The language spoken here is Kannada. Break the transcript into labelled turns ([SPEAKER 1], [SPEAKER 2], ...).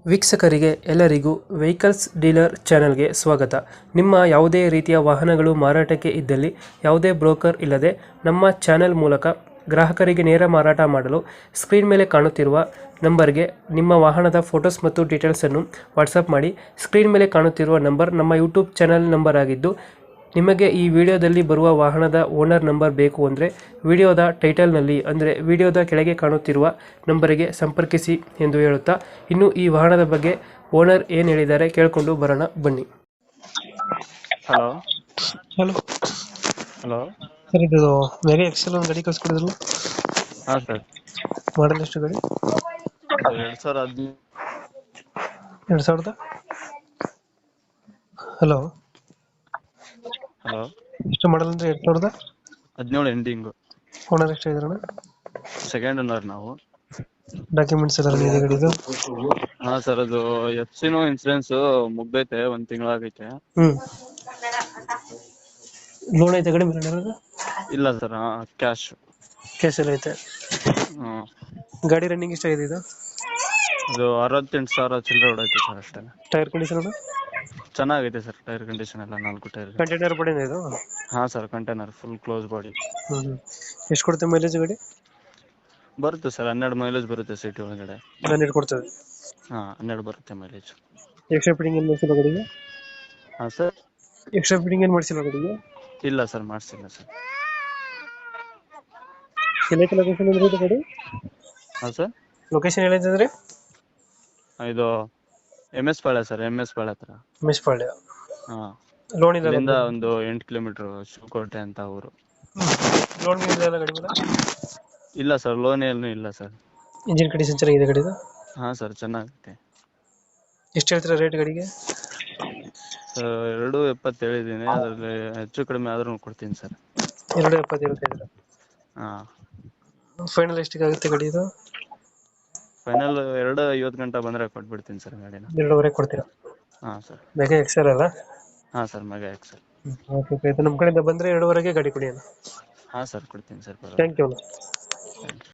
[SPEAKER 1] ವೀಕ್ಷಕರಿಗೆ ಎಲ್ಲರಿಗೂ ವೆಹಿಕಲ್ಸ್ ಡೀಲರ್ ಚಾನೆಲ್ಗೆ ಸ್ವಾಗತ. ನಿಮ್ಮ ಯಾವುದೇ ರೀತಿಯ ವಾಹನಗಳು ಮಾರಾಟಕ್ಕೆ ಇದ್ದಲ್ಲಿ ಯಾವುದೇ ಬ್ರೋಕರ್ ಇಲ್ಲದೆ ನಮ್ಮ ಚಾನೆಲ್ ಮೂಲಕ ಗ್ರಾಹಕರಿಗೆ ನೇರ ಮಾರಾಟ ಮಾಡಲು ಸ್ಕ್ರೀನ್ ಮೇಲೆ ಕಾಣುತ್ತಿರುವ ನಂಬರ್ಗೆ ನಿಮ್ಮ ವಾಹನದ ಫೋಟೋಸ್ ಮತ್ತು ಡೀಟೇಲ್ಸನ್ನು ವಾಟ್ಸಪ್ ಮಾಡಿ. ಸ್ಕ್ರೀನ್ ಮೇಲೆ ಕಾಣುತ್ತಿರುವ ನಂಬರ್ ನಮ್ಮ ಯೂಟ್ಯೂಬ್ ಚಾನೆಲ್ ನಂಬರ್ ಆಗಿದ್ದು, ನಿಮಗೆ ಈ ವಿಡಿಯೋದಲ್ಲಿ ಬರುವ ವಾಹನದ ಓನರ್ ನಂಬರ್ ಬೇಕು ಅಂದರೆ ವಿಡಿಯೋದ ಟೈಟಲ್ನಲ್ಲಿ ಅಂದರೆ ವಿಡಿಯೋದ ಕೆಳಗೆ ಕಾಣುತ್ತಿರುವ ನಂಬರಿಗೆ ಸಂಪರ್ಕಿಸಿ ಎಂದು ಹೇಳುತ್ತಾ, ಇನ್ನು ಈ ವಾಹನದ ಬಗ್ಗೆ ಓನರ್ ಏನು ಹೇಳಿದ್ದಾರೆ ಕೇಳಿಕೊಂಡು ಬರೋಣ ಬನ್ನಿ.
[SPEAKER 2] ಹಲೋ
[SPEAKER 1] ಹಲೋ
[SPEAKER 2] ಹಲೋ
[SPEAKER 1] ಸರ್, ಇದು ವೆರಿ ಎಕ್ಸೆಲ್ ಒಂದು ಗಾಡಿ ಕಳಿಸ್ಕೊಡಿದ್ರಲ್ಲ,
[SPEAKER 2] ಹಾಂ ಸರ್,
[SPEAKER 1] ಮಾಡಲ್ ಎಷ್ಟು ಗಾಡಿ?
[SPEAKER 2] 2015.
[SPEAKER 1] 2000. ಹಲೋ,
[SPEAKER 2] ಹಲೋ,
[SPEAKER 1] ಎಷ್ಟು ಮಾಡಲ್ ಅಂದರೆ 2000?
[SPEAKER 2] 17 ಎಂಡಿಂಗು.
[SPEAKER 1] ಓನರ್ ಎಷ್ಟು ಇದ್ರಣ?
[SPEAKER 2] ಸೆಕೆಂಡ್ ಓನರ್ ನಾವು.
[SPEAKER 1] ಡಾಕ್ಯುಮೆಂಟ್ಸ್ ಎಲ್ಲ ಇದೆ ಗಾಡಿದು?
[SPEAKER 2] ಹಾಂ ಸರ್, ಅದು ಎಫ್ಸಿನೂ ಇನ್ಸೂರೆನ್ಸ್ ಮುಗ್ದೈತೆ, 1 ತಿಂಗಳಾಗೈತೆ.
[SPEAKER 1] ಲೋನ್ ಐತೆ ಗಾಡಿ ಮೇಲೆ?
[SPEAKER 2] ಇಲ್ಲ ಸರ್, ಕ್ಯಾಶ್.
[SPEAKER 1] ಕೇಸ್ ಎಲ್ಲ ಐತೆ. ಗಾಡಿ ರನ್ನಿಂಗ್ ಎಷ್ಟಾಗಿದೆ ಇದು?
[SPEAKER 2] ಅದು 68,000 ಚಿಲ್ಲರೆ ಹೊಡೈತೆ ಸರ್ ಅಷ್ಟೇ.
[SPEAKER 1] ಟೈರ್ ಕಂಡೀಷನ್
[SPEAKER 2] ಚೆನ್ನಾಗೈತೆ ಸರ್, ಟೈರ್ ಕಂಡೀಷನ್ ಎಲ್ಲ 4 ಟೈರ್.
[SPEAKER 1] ಕಂಟೈನರ್ ಬಡಿನ ಇದು?
[SPEAKER 2] ಹಾಂ sir, container full close body.
[SPEAKER 1] ಎಷ್ಟು ಕೊಡುತ್ತೆ ಮೈಲೇಜ್ ಗಾಡಿ?
[SPEAKER 2] ಬರುತ್ತೆ ಸರ್, 12 ಮೈಲೇಜ್ ಬರುತ್ತೆ ಸಿಟಿ ಒಳಗಡೆ.
[SPEAKER 1] 12 ಕೊಡ್ತದೆ?
[SPEAKER 2] ಹಾಂ, 12 ಬರುತ್ತೆ ಮೈಲೇಜ್.
[SPEAKER 1] ಎಕ್ಸ್ಟ್ರಾ ಫಿಟ್ಟಿಂಗ್ ಏನು ಮಾಡಿಸಿಲ್ಲ ಗಾಡಿಗೆ?
[SPEAKER 2] ಹಾಂ ಸರ್,
[SPEAKER 1] ಎಕ್ಸ್ಟ್ರಾ ಫಿಟ್ಟಿಂಗ್ ಏನು ಮಾಡಿಸಿಲ್ಲ ಗಾಡಿಗೆ?
[SPEAKER 2] ಇಲ್ಲ ಸರ್, ಮಾಡಿಸಿಲ್ಲ ಸರ್.
[SPEAKER 1] ಎಲ್ಲೈತೆ ಲೊಕೇಶನ್ ಅಂದ್ರೆ ಇದು ಗಾಡಿ?
[SPEAKER 2] ಹಾಂ ಸರ್,
[SPEAKER 1] ಲೊಕೇಶನ್ ಎಲ್ಲೈತೆ?
[SPEAKER 2] ಇದು MS Palya sir, MS Palya ಹತ್ರ.
[SPEAKER 1] ಮಿಸ್ಪಾಳ್ಯ.
[SPEAKER 2] ಹಾಂ,
[SPEAKER 1] ಲೋನ್ ಇಲ್ಲ?
[SPEAKER 2] ಇಲ್ಲಿಂದ ಒಂದು 8 ಕಿಲೋಮೀಟರ್ ಶಿವಕೋಟೆ ಅಂತ ಊರು.
[SPEAKER 1] ಲೋನ್ ಇಲ್ಲ ಗಾಡಿ ಮೇಲೆ?
[SPEAKER 2] ಇಲ್ಲ ಸರ್, ಲೋನ್ ಏನು ಇಲ್ಲ ಸರ್.
[SPEAKER 1] ಇಂಜಿನ್ ಕಂಡೀಷನ್ ಚೆನ್ನಾಗಿದೆ ಗಾಡಿದು?
[SPEAKER 2] ಹಾಂ ಸರ್, ಚೆನ್ನಾಗೈತೆ.
[SPEAKER 1] ಎಷ್ಟು ಹೇಳ್ತೀರಾ ರೇಟ್ ಗಾಡಿಗೆ?
[SPEAKER 2] ಸರ್ 2.70 ಹೇಳಿದ್ದೀನಿ, ಅದರಲ್ಲಿ ಹೆಚ್ಚು ಕಡಿಮೆ ಆದ್ರೂ ಕೊಡ್ತೀನಿ ಸರ್.
[SPEAKER 1] 2.70 ಹೇಳ್ತಿದ್ದೀರಾ?
[SPEAKER 2] ಹಾಂ,
[SPEAKER 1] ಫೈನಲ್ ಎಷ್ಟಿಗೆ ಆಗುತ್ತೆ ಗಾಡಿ ಇದು?
[SPEAKER 2] ಫೈನಲ್ 2.50 ಗಂಟೆ ಬಂದರೆ ಕೊಟ್ಬಿಡ್ತೀನಿ ಸರ್ ಗಾಡಿನ.
[SPEAKER 1] 2.5 ಕೊಡ್ತೀರಾ?
[SPEAKER 2] ಹಾಂ ಸರ್.
[SPEAKER 1] ಮೆಗಾ ಎಕ್ಸೆಲ್ ಅಲ್ಲ?
[SPEAKER 2] ಹಾಂ ಸರ್, ಮೆಗಾ ಎಕ್ಸೆಲ್.
[SPEAKER 1] ಓಕೆ, ನಮ್ಮ ಕಡೆಯಿಂದ ಬಂದರೆ 2.5ಗೆ ಗಾಡಿ ಕೊಡಿ ಅಣ್ಣ.
[SPEAKER 2] ಹಾಂ ಸರ್, ಕೊಡ್ತೀನಿ sir.
[SPEAKER 1] Thank you.
[SPEAKER 2] Thank you.